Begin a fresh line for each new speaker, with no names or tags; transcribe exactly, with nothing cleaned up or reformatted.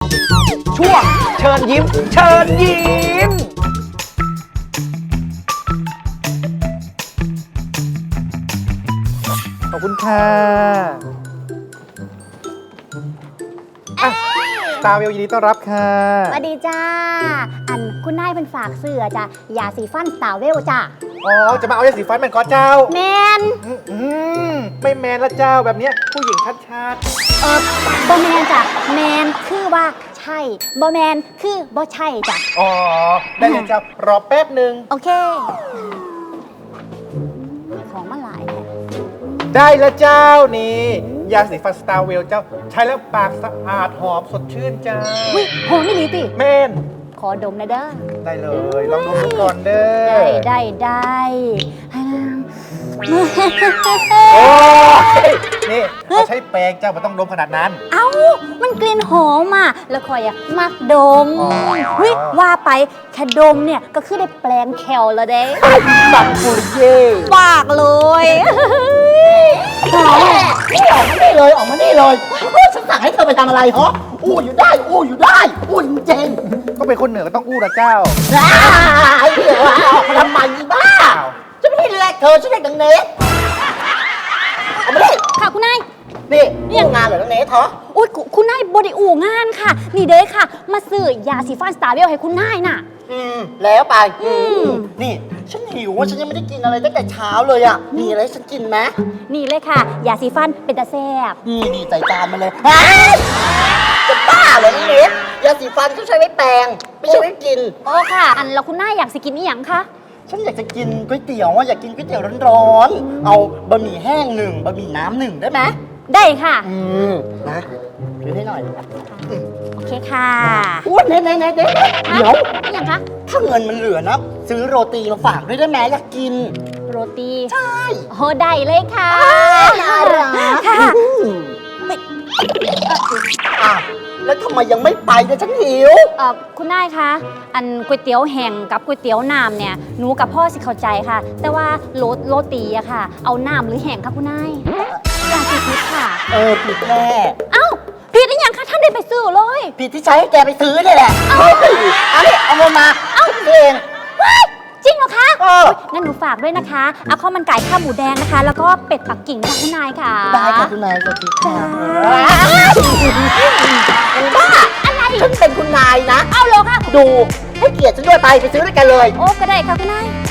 ช่วงเชิญยิ้มเชิญยิ้มขอบคุณค่ะตาเวลยินดีต้อนรับค่ะ
สวัสดีจ้าอันคุณนายเป็นฝากเสื้อจ้ะยาสีฟันสาวเวลจ้ะ
อ๋อจะมาเอายาสีฟันแมนก็เจ้า
แมน
อืมอืมไม่แมนละเจ้าแบบเนี้ยผู้หญิงชัด
เออบอแมนจ้ะแมนคือว่าใช่บอแมนคือบ่ใช่จ้ะ
ๆอ๋อได้เลยเจ้ารอแป๊บหนึ่ง
โอเคของมาหลายแหละ
ได้แล้วเจ้านี่ยาสีฟันสตาร์เวลเจ้า ใช้แล้วปากสะอาดหอมสดชื่นจ้า
อุ้ยหอมไม่ดีติ
แมน
ขอดมหนะเด้อ
ได้เลยลองดมดูก่อนเด้อ
ได้ได้ได้ให้นะ
โอ้ยนี่เขาใช้แปรงเจ้ามันต้องดมขนาดนั้น
เอ้ามันกลิ่นหอมอ่ะแล้วคอยอะมักดม
อ๋อ
เฮ้ยว่าไปแค่ดมเนี่ยก็คือได้แปลงแคลแล้วเด้
สักกุลเย่
ปากเลย
หอมนี่ออกมานี่เลยออกมานี่เลยโอ้ยฉันสั่งให้เธอไปทำอะไรเหรออู้อยู่ได้อู้อยู่ได้อู้จริง
ก็เป็นคนเหนือก็ต้องอู้ละเจ้า
ๆอ้ายเดี๋ยวออกมาทำไมอีบ้าฉันไม่ได้เรียกเธอฉันเรียกดังเนสเอามาดิ
ค่ะคุณนาย
นี่นี่งานเหรอดังเนสเหรอ
อุ้ยคุณคุณนายบไดิอู่งานค่ะ นี่เด้ค่ะ มาซื้อยาสีฟันสตาร์เวลให้คุณนายน่ะ
อืมแล้วไป
อืม
นี่ฉันหิวว่าฉันยังไม่ได้กินอะไรตั้งแต่เช้าเลยอ่ะมีอะไรให้ฉันกินไหม
นี่เลยค่ะ ยาสีฟันเป็นตาแซ่บ
นี่นี่ใส่จานมาเลยอ้ายจะบ้าเหรอดังเนสยาสีฟันเขาใช้ไว้แปรงไม่ใช่ไว้กิน
โอ้ค่ะ อันแล้วคุณนายอยากสิกินอีหยังคะ
ฉันอยากจะกินก๋วยเตี๋ยวอ่ะอยากกินก๋วยเตี๋ยวร้อนๆ เอาบะหมี่แห้งหนึ่งบะหมี่น้ำหนึ่งได้ไหม
ได้ค่ะ
อืมนะซื้อให้หน่อย
โอเคค่ะ
อ้วนเน่เน่เน่เดี๋ยว
อีหยังคะ
ถ้าเงินมันเหลือนะ ซื้อโรตีมาฝากด้วยได้ไหมอยากกิน
โรตี
ใช่
โอ้ได้เลยค่ะ
น่ารัก
ค่ะ
ไม่อ้าวแล้วทำไมยังไม่ไปเนี่ยฉันหิว
เอ่อคุณนายคะ อันก๋วยเตี๋ยวแห้งกับก๋วยเตี๋ยวน้ำเนี่ย หนูกับพ่อสิเข้าใจค่ะ แต่ว่าโรโรตีอะค่ะ เอาน้ำหรือแห้งคะคุณนายอยากสิคิดค่ะ
เออผิดแน่
เอ้าผิดอีหยังคะท่านได้ไปซื้อเลย
ผิดที่ใช้ให้แกไปซื้อนี่แหละเฮ้ยเอาดิเอาเงินมาเอาเอง
ว้ายจริงเหรอคะ
เออ
งั้นหนูฝากด้วยนะคะ เอาข้าวมันไก่ข้าวหมูแดงนะคะ แล้วก็เป็ดปักกิ่งค่ะคุณนายค่ะ
ได้ค่ะคุณนายสวัสดีค่ะ
บ้าอะไร
ฉันเป็นคุณนายนะ
เอาเหรอคะ
ดูให้เกียรติฉันด้วยไปไปซื้อด้วยกันเลย
โอ้ก็ได้ค่ะคุณนาย